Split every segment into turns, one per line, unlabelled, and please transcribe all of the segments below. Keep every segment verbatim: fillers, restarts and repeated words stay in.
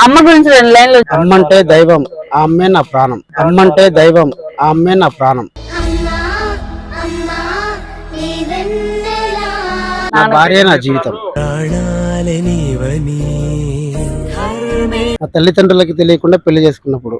అమ్మ గురించి రెండు లైన్లు.
అమ్మంటే దైవం, ఆ అమ్మే నా ప్రాణం. అమ్మంటే దైవం, ఆ అమ్మే నా ప్రాణం. నా భార్య నా జీవితం. నా తల్లిదండ్రులకి తెలియకుండా పెళ్లి చేసుకున్నప్పుడు.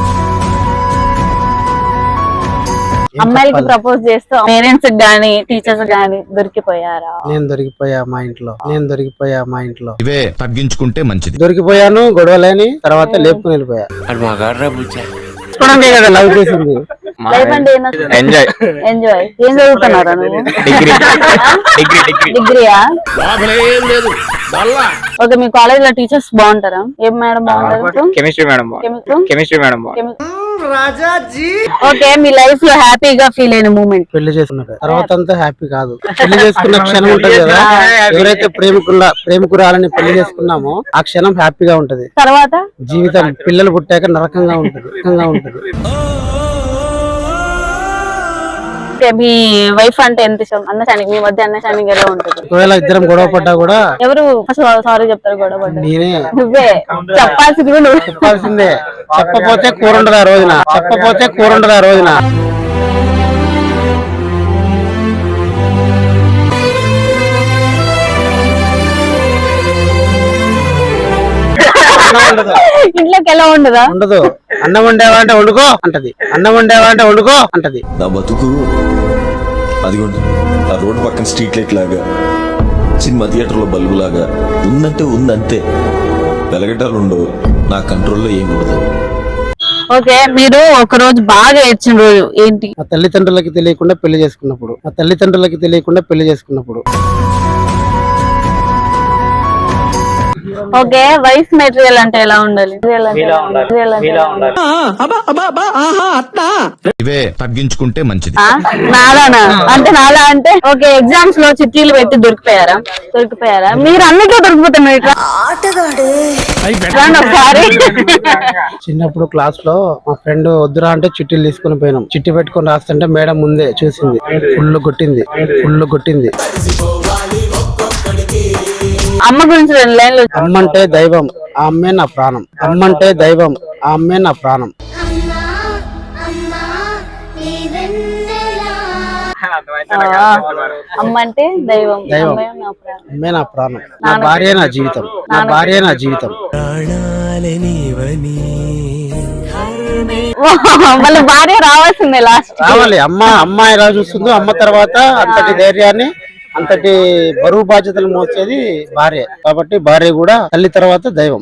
అమ్మాయిలకి ప్రపోజ్ చేస్తూ పేరెంట్స్ గానీ టీచర్స్ గానీ దొరికిపోయారా?
నేను దొరికిపోయా మా ఇంట్లో నేను దొరికిపోయా మా ఇంట్లో
ఇవే తగ్గించుకుంటే మంచిది.
దొరికిపోయాను, గొడవలేని తర్వాత లేపుకుని వెళ్ళిపోయా. కదా లవ్ చేసింది.
లైఫ్ అంటే ఎంజాయ్ ఎంజాయ్ ఏం చదువుతున్నారా నువ్వు? డిగ్రీయా? ఓకే, మీ కాలేజ్ లో టీచర్స్ బాగుంటారా? ఏం మేడం బాగుంటారు?
Chemistry madam. Chemistry madam.
Okay, మీ లైఫ్ లో హ్యాపీగా ఫీల్ అయిన మూమెంట్?
పెళ్లి చేసుకున్నాక తర్వాత అంతా హ్యాపీ కాదు. పెళ్లి చేసుకున్న క్షణం ఉంటది కదా, ఎవరైతే ప్రేమికుల ప్రేమికురాలని పెళ్లి చేసుకున్నామో ఆ క్షణం హ్యాపీగా ఉంటది.
తర్వాత
జీవితం పిల్లలు పుట్టాక నరకంగా ఉంటది నరకంగా ఉంటది.
మీ వైఫ్ అంటే ఎంత ఇష్టం? అండర్స్టాండింగ్, మీ మధ్య అండర్స్టాండింగ్ ఎలా ఉంటది?
ఒకవేళ ఇద్దరం గొడవ పడ్డా కూడా
ఎవరు సారీ చెప్తారు? గొడవ పడ్డా
నేనే.
నువ్వే చెప్పాల్సింది నువ్వు
చెప్పాల్సిందే. చెప్పపోతే కూర ఉండదు ఆ రోజున. చెప్పపోతే కూర ఉండదు ఆ రోజున.
ఇంట్లోకి ఎలా ఉండదా?
ఉండదు. అన్నం వండేవా అంటే వండుకో అంటది. అన్నం వండేవా అంటే వండుకో అంటది.
నా బతుకు అదిగోండి ఆ రోడ్డు పక్కన స్ట్రీట్ లైట్ లాగా, సినిమా థియేటర్ లో బల్బు లాగా ఉందంటే ఉందంతే. వెలగటాలు ఉండవు, నా కంట్రోల్లో ఏముండదు.
ఓకే, మీరు ఒక రోజు బాగా ఏడ్చిన రోజు ఏంటి?
మా తల్లిదండ్రులకి తెలియకుండా పెళ్లి చేసుకున్నప్పుడు. మా తల్లిదండ్రులకి తెలియకుండా పెళ్లి చేసుకున్నప్పుడు.
ఓకే, వైఫ్ మెటీరియల్ అంటే ఎలా ఉండాలి?
ఇవే తగ్గించుకుంటే మంచిది.
నాలానా అంటే నాలా అంటే ఓకే, ఎగ్జామ్స్ లో చిట్టీలు పెట్టి దొరికిపోయారా? దొరికిపోయారా? మీరు అన్నిట్లో దొరికిపోతున్నారు. ఒకసారి
చిన్నప్పుడు క్లాస్ లో మా ఫ్రెండ్ వద్దురా అంటే చిట్టీలు తీసుకుని పోయినాం. చిట్టి పెట్టుకుని రాస్తుంటే మేడం ముందే చూసింది, ఫుల్ కొట్టింది ఫుల్ కొట్టింది.
అమ్మ గురించి రెండు లైన్లు.
అమ్మంటే దైవం, ఆ అమ్మే నా ప్రాణం. అమ్మంటే దైవం, ఆ అమ్మే నా ప్రాణం.
అమ్మ అంటే దైవం,
దైవం అమ్మే నా ప్రాణం. నా భార్య నా జీవితం. నా భార్య నా జీవితం.
వాళ్ళ భార్య రావాల్సిందే లాస్ట్.
రావాలి. అమ్మ అమ్మాయి ఎలా చూస్తుందో అమ్మ తర్వాత అంతటి ధైర్యాన్ని అంతటి బరువు బాధ్యతలు మోసేది భార్య. కాబట్టి భార్య కూడా తల్లి తర్వాత దైవం.